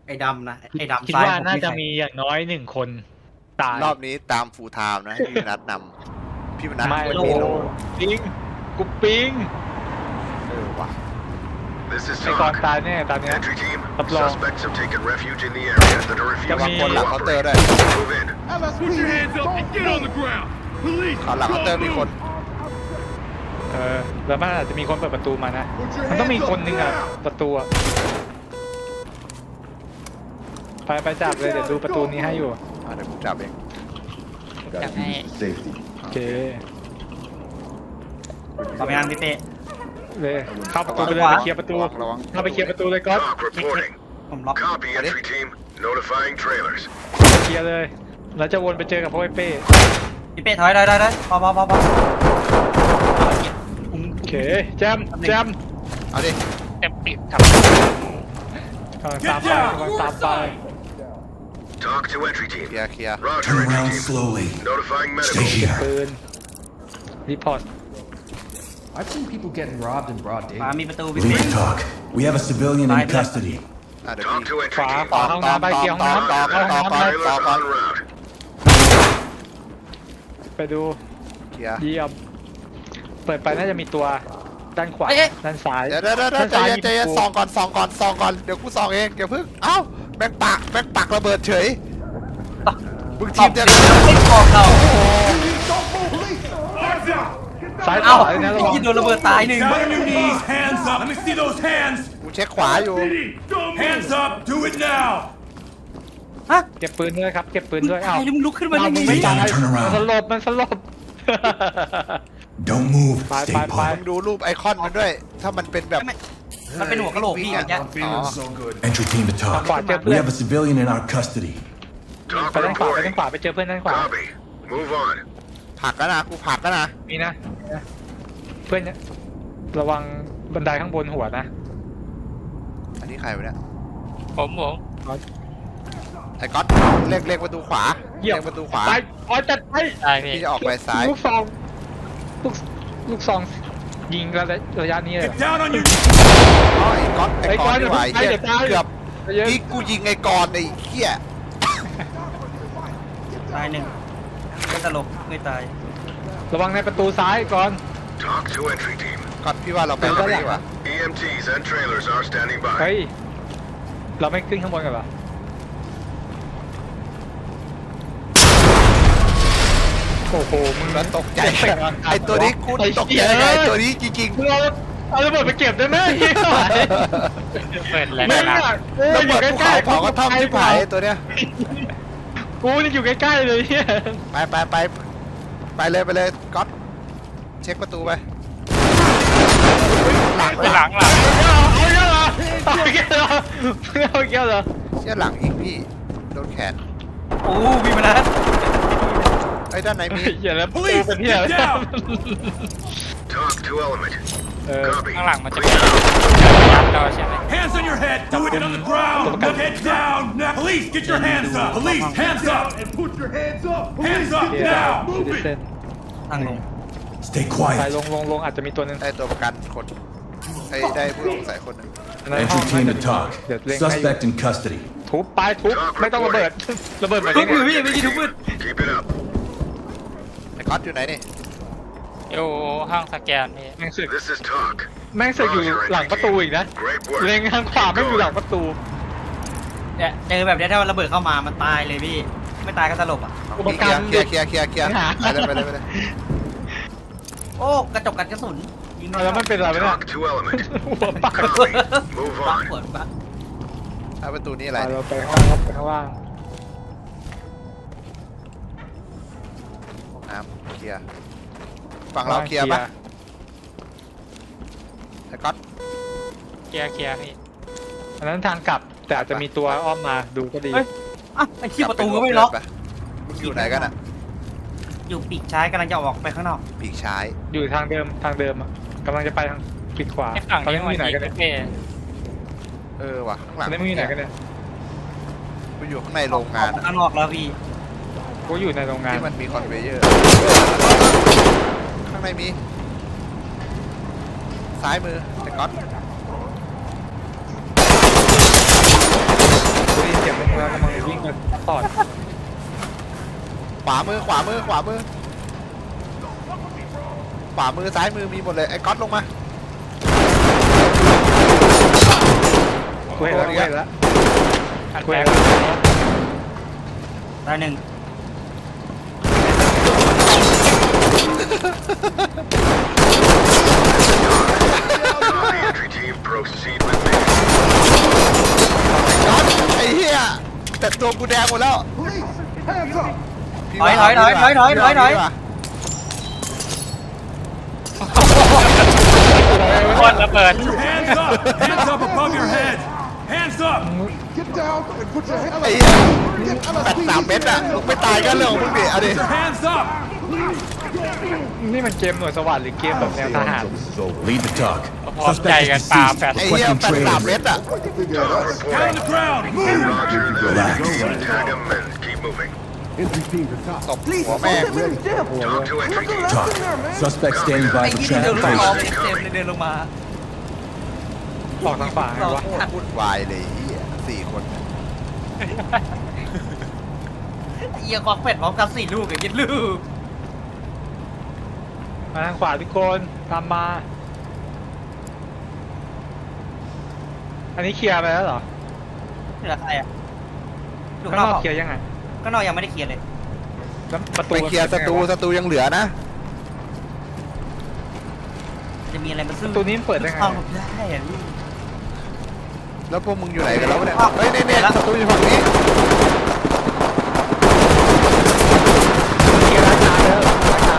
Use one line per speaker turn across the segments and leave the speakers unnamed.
ไอ้ดำนะไอ้ดำ
คิด
ซ้าย
ว่า
ผม
น่า
ไม่
จะ
ใส่
มีอย่างน้อย1 คนตาย
รอบนี้ตามฟูลไทม์นะให้พี่นัดนำพี่นัด
ไม่
เป็น
โล
พี่โล
ปิงกูปิง
ว่ะ
This is
ไอ้ก่อน
Talk.
ตายแน่ตอนเนี้ย
Entry team,
Up low.
suspects have taken refuge in the area that are
ระวัง
refusing
คนหลัง
to
เคาน์เตอร์
cooperate.
ด้วย
Move in.
Put your hands up and get on the ground. Police,
เขาหลังเคาน์เตอร์มีคน
แล้วมันอาจจะมีคนเปิดประตูมานะ
put your
มันต้องมี
hands
ค
up
นหนึ่งอะ
now.
ประตูอะไปจับเลยเดี๋ยวดูประตูนี้ให้อยู่
เดี๋ยวผมจับเอง
อยากให้
โอเค
ต่อไปงานพี่เต้
เลยเข้าประตูไปเลย
ขวา
ไปเคลียร์ประตู
ระวัง
เข้าไปเคลียร์ประตูเลยก๊อต
Talk reporting.
ผมล็อก
Copy, entry team. Notifying trailers.
เคลียร์เลยแล้วจะวนไปเจอกับพวกไอ้เป้
พี่เป้ถอยได้พออุ้ม
โอเคแจม
เอาดิ
เต็มปิดครับ
กำลังตามไปกำลังตามไป
Talk to entry
เค
team.
ลียร์เคลียร์
Roger,
Turn
entry
around
team.
slowly.
Notifying
Stay
medical.
here.
ปืนรีพอร์ต
I've seen people getting robbed in broad
ขวา
daylight.
มีประตูพี่เป้
Lead talk. We have a civilian in
Right.
custody.
เดี๋ยว
Talk
พี่
to
ข
entry
วา
team.
ขวาห้องน้ำไปเคลียร์ห้องน้ำ
ต่อ
เข้าห้องน้ำเลย
Trailers en route.
ไปดู
เคลียร์
เยี่ยมเปิดไปน่าจะมีตัวด้านขวาด้านซ้าย
เดี๋ยวใจเย็นส่องก่อนเดี๋ยวกูส่องเองเดี๋ยวพึ่งเอ้าแบงปักระเบิดเฉยมึงทีมเดียวกัน
ไม่บอกเรา
Hands up.
ซ้าย
เอ้า
ขวาเลยนะระวัง
ยิงโดนระเบิดตายหนึ่ง
Down on your knees. Hands up. Let me see those hands.
กูเช็คขวาอยู่
Hands up. Do it now.
ฮะ
เก็บปืนด้วยครับเก็บปืนด้วย
ตา
เอ้าย
แล้วมึงลุกขึ้นมาได้
มึง
ไง
ไม่ตาย
Turn around.
มันสลบ
Don't move.
Bye,
Stay
bye,
put.
bye.
มึงดูรูปไอคอนมันด้วย ถ้ามันเป็นแบบ
มันเป็นหัวกะโหลกพี่อย่างเงี้ย
อ๋อ
so good.
Entry team to
ทาง
talk.
ขวาเจอ
We
เพื่อน
have a civilian in our custody.
Talk
ไปด้านขวา
reporting.
ไปเจอเพื่อนด้านขวา
Copy. Move on.
ผักกันนะกูผักกันนะ
มีนะเพื่อนเนี่ยระวังบันไดข้างบนหัวนะ
อันนี้ใครวะเนี่ย
ผม
ไอ้ก๊อตเรียกประตูขวา
เยี่ยม
เรียกประตูขวา
ไปอ๋อจัดไป
ได้พี่
พี่จะออกไปซ้าย
ลูกซองลูกซองยิงระยะนี้เลย
Get down on your
อ๋อไอ้ก๊อต
ไอ้ก๊อต
ไม่ไหว
เดี๋ยวตาย
เกือบ
ใจเย็น
นี่กูยิงไอ้กรไอ้เหี้ย
ตายหนึ่งไม่ตลกไม่ตาย
ระวังในประตูซ้ายก่อน
Talk to entry team.
ก๊อตพี่ว่าเราไปตรงนี้ดีกว่า
EMTs and trailers are standing
เฮ้
by.
ยเราไม่ขึ้นข้างบนกันเหรอโอ้โหมึง
แล้วตกใจไอ้ตัวนี้กูตกใจไงไอ้ตัวนี้จริง
มึงเอาระเบิดไปเก็บได้ไหม
เปิดแรง
มึง
นะ
อ่ะกู
ๆแล้ว
อ
หม
ยู่
ด
ใก
ภู
ล้
เขา
ๆ
เผากระท่อมที่ผายไอ้ตัวเนี้ย
กูนี่อยู่ใกล้ๆเลยเนี่ย
ไปเลยก๊อตเช็คประตูไปหลัง
หลัง
เอาเยอะเหรอเอาเยอะเหรอเอาเยอะเหรอ
เชี่ยหลังอีกพี่โดนแขน
โอ้มีมานะ
ไอ้ด้านไหนมี
อย่าแล้วปู
Police,
เป็นที่อะไร
get down.
Talk to element.
เออ
Copy.
ข้างหลังมันจะ
Clear
เป็น
out.
ยับเราใช่ไหม
Hands on your head. Do it on the ground. Look head down. Now, police, get your hands up. Police, hands up. And put your hands up. Hands up
เดี๋ยว
now.
ซิติเซน
ทางลง
Stay
ไป
quiet.
ลงอาจจะมีตัวนึง
ได้ตัวประกันคนไอ้ได้ผู้ต้องสงสัยคนหนึ่ง
Entry team to talk.
เดี๋ยวเล่นให้
Suspect in custody.
ทุบไปทุบไม่ต้องระเบิดระเบิดแบบ
ทุ
นี้
บมือพี่ไม่กี่ทุบมือ
Keep it up.
ไอ้ก๊อตอยู่ไหนนี่
อยู่ห้องสแกนพี่
แม่งสึก
This is Talk.
แม่งสึกอยู่หลังประตูอีกนะ
Great work.
เล็งทางขวาไม่อยู่หลังประตู
เนี่ยเจอแบบนี้ถ้าระเบิดเข้ามามันตายเลยพี่ ไม่ตายก็ตลบอ่ะ
อุปกรณ์
เคลียร์ไปเลย
โอ้กระจกกันกระสุนยิง
แล้วมันเป็นอะไรเนี่ย
Talk to element.
หัวปัก
Copy. Move
ปัก
on.
เปิดปัก
ถ้าประตูนี้อะไร
เราไปข้างล่างไปข้างล่าง
น้ำเคลียร์ฝั่งเราเคลียร์ปะไอ้ก๊อต
เคลียร์พี่
อันนั้นทางกลับแต่อาจจะมีตัวอ้อมมาดูก็ดี
เฮ้ยอ่ะไอ้ที่ประตูก็ไม่ล็อก
มึงอยู่ไหนกันอ่ะ
อยู่ปีกซ้ายกำลังจะออกไปข้างนอก
ปีกชาย
อยู่ทางเดิมอ่ะกำลังจะไปทางปีกขวา
ไอ้ฝั่ง
ตอน
นี้
นี้มึง
มั
อน ยู่ไหน
ยิ
กัน
ง
เนี่ย
พี่
ว่ะข้างห
ต
ลั
อง นนี้มึงอยู่ไหนกันเนี่ย
กูอยู่ข้างในโรงงาน
ข้างนอกแล้วพี่
กูอยู่ในโรงงาน
ที่มันมีคอนเวเยอร์ข้างในมีซ้ายมือไอ้ก๊อต
เก็บไว้แล้วกำลังวิ่งไปต่อ
ขวามือขวามือขวามือขวามือซ้ายมือมีหมดเลยไอ้ก๊อตลงมา
เว้ยแล้วเว้ยแล้ว
อัน
เว้
แร
ย
ก
แล้ว
ตายหนึ่ง
Copy, entry team. Proceed with mission.
ก๊อตไอ้เหี้ยแต่ตัวกูแดงหมดแล้ว
ถอยถอยถอยถอยถอยถอยถอย
ควันระเบิด
Your hands up! Hands up above your head! Hands up!
ไอ้เหี้ย83 เมตรอะมึงไม่ตายก็เรื่องของมึงดิเอาดิ
Your hands up!
นี่มันเกมหน่วยสวัสดิ์หรือเกมแบบแนวทหาร
Lead the talk.
พร้อมใจ
Suspect
กัน
is
ปา
deceased.
แฟด
ไอ้เหี้ย83 เมตรอะ
Talk
Down on
reporting.
the ground! Move!
Roger that.
Relax.
Tag them and keep moving.
ตบหัวแม่ง
Talk to entry team.
Talk. Suspect standing
ไอ้
by for
ยี่เดินลงมา
transportation.
เต็มเลยเดินลงมา
ออกทางขวาไงวะ
วุ่นวายเลยไอ้เหี้ย4 คน
เอียกอกเป็ดพร้อมกัน4 ลูกกับยิดลูก
มาทางขวาทุกคนตามมา อันนี้เคลียร์ไปแล้วเหรอ
เหลือใครอ่ะลูก
ข้าง
น
น
อ
อก กเคลียร์ยังไง
ก็นอกยังไม่ได้เคลียร์เลย
แล้วประตู
ไปเคลียร์ศัตรูศัตรูยังเหลือนะ
จะมีอะไรมาซื้อ
ประตูนี้มันเปิดได้ไง
เอาได้อะพี่
แล้วพวกมึงอยู่ไหนกันแล้ววะเนี่ยเฮ้ยเนี่ยศัตรูอยู่ฝั่งนี้
เคลียร์ร้านค้าแล้วร้านค้า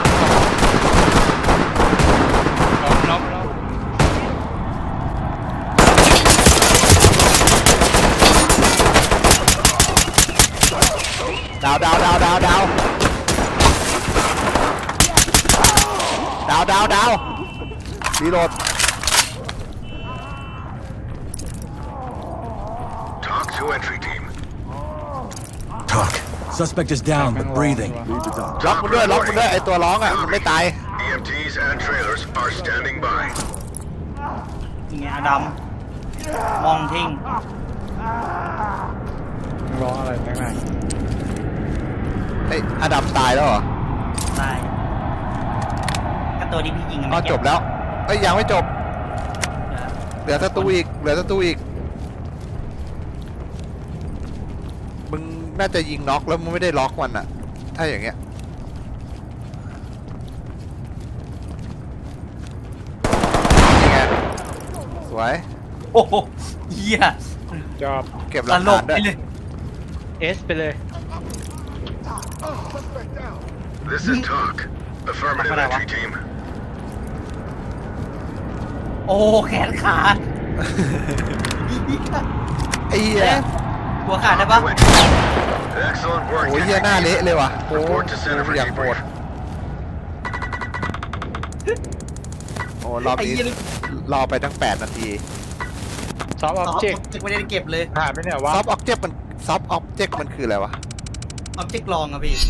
ล้ม
ดาวดาวดาวดาวดาวดาวดาวดาวรีโหลด
Talk to entry team.
Talk. Suspect is down but breathing.
ล็อกมันด้วยล็อกมันด้วยไอตัวร้องอ่ะมันไม่ตาย
EMTs and trailers are standing by.
อย่างเงี้ยอดัมมองทิ้ง
ร้องอะไรแม่งไง
ไอยอดัมตายแล้วเหรอ
ตายก็ตัวที่พี่ยิงอะ
อ๋อ
ไม่
จบแล้วเอ้ยยังไม่จบ
เดี๋ยว
เหลือศัตรูอีกเหลือศัตรูอีกมึงน่าจะยิงน็อกแล้วมึงไม่ได้ล็อกมันอ่ะ ถ้าอย่างเงี้ยนี่ไงสวย
โอ้โหเหี้ย
จอบ
เก็บห
ต
ลัก
ล
ฐาก นด้
ไป
วย
เลย
เอสไปเลย
This is talk. Affirmative entry team.
โอ้แขนขาด
ไอ้เหี้ย
หัวขาดได้ปะ
Excellent work.
โอ้ยเหี้ยหน้าเละเลยว่ะโอ้
Report to center for
อย่างโหด
debrief.
โอ้รอบนี้รอไปทั้ง8 นาที
ซอฟต์ออบเจกต์
จะไม่ได้เก็บเลย
หายไปเนี่ยวะ
ซอฟต์ออบเจกต์มันคืออะไรวะ
ออบเจกต์ลองอะพี่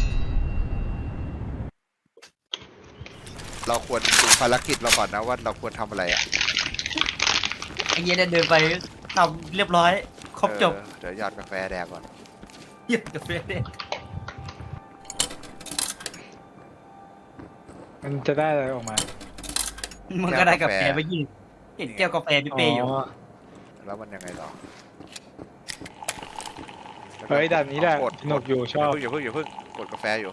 เราควรดูภารกิจเราก่อนนะว่าเราควรทำอะไรอ่ะ
ไอ้เหี้ยเนี่ยเดินไปทำเรียบร้อย ครบจบ
เดี๋ยวหยอดกาแฟแดงก่อน
เหี้ยกาแฟเนี่ย
มันจะได้อะไรออกมา
มันก็ได้กาแฟไปยิงเห็นแก้วกาแฟพี่เปย์อยู่
แล้วมันยังไงต่อ
เฮ้ยด่านนี้แหละ
กด
สนุกอยู่ชอบ
อย่าเพิ่งกดกาแฟอยู่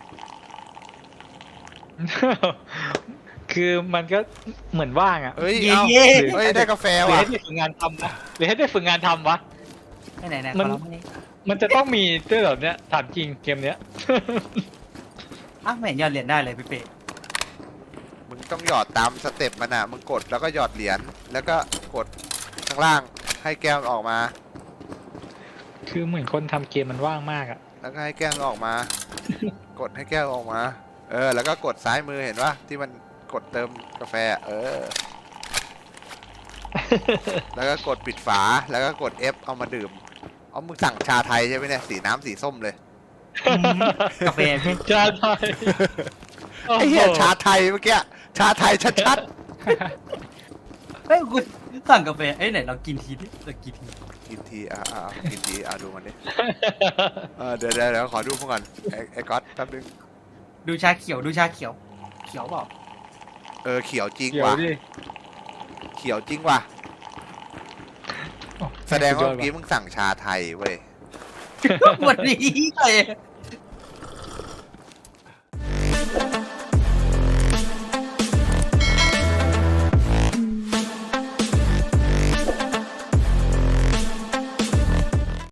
คือมันก็เหมือนว่างอ่ะ
เฮ้ย
เย่
เอา
เย่
เฮ้ยได้กาแฟ
หรือ
ว่ะ
ให้ได้ฝึกงานทำนะหรือให้ได้ฝึกงานทำวะ
ไหนไหน
มัน มันจะต้องมีด้วยเหรอเนี่ยถามจริงเกมเนี้ย
อ่ะไม่เห็นยอดเหรียญได้เลยพี่เปย์
มึงต้องหยอดตามสเต็ปมันอ่ะมึงกดแล้วก็หยอดเหรียญแล้วก็กดข้างล่างให้แก้วมันออกมา
คือเหมือนคนทำเกมมันว่างมากอ่ะ
แล้วก็ให้แก้วมันออกมา กดให้แก้วออกมา แล้วก็กดซ้ายมือเห็นปะที่มันกดเติมกาแฟอะแล้วก็กดปิดฝาแล้วก็กด F เอามาดื่มเอามึงสั่งชาไทยใช่ไหมเนี่ยสีน้ำสีส้มเลย
กาแฟพี่
ชาไทย
ไอ้เหี้ยชาไทยเมื่อกี้ชาไทยชัด
เฮ้ยกูสั่งกาแฟเอ้ยไหนเรากินทีดิเรากินที
กินทีกินทีดูมันดิเดี๋ยวขอดูพวกก่อนไอ้ก๊อตแป๊บนึง
ดูชาเขียวดูชาเขียว เขียวเปล่า
เขียวจริง
เดี๋ยว
ว่ะ
ดิ
เขียวจริงว่ะ
โอ้
แสดงว่า
สุ
เมื่อกี้มึงสั่งชาไทยเว้ย
วันนี้เลย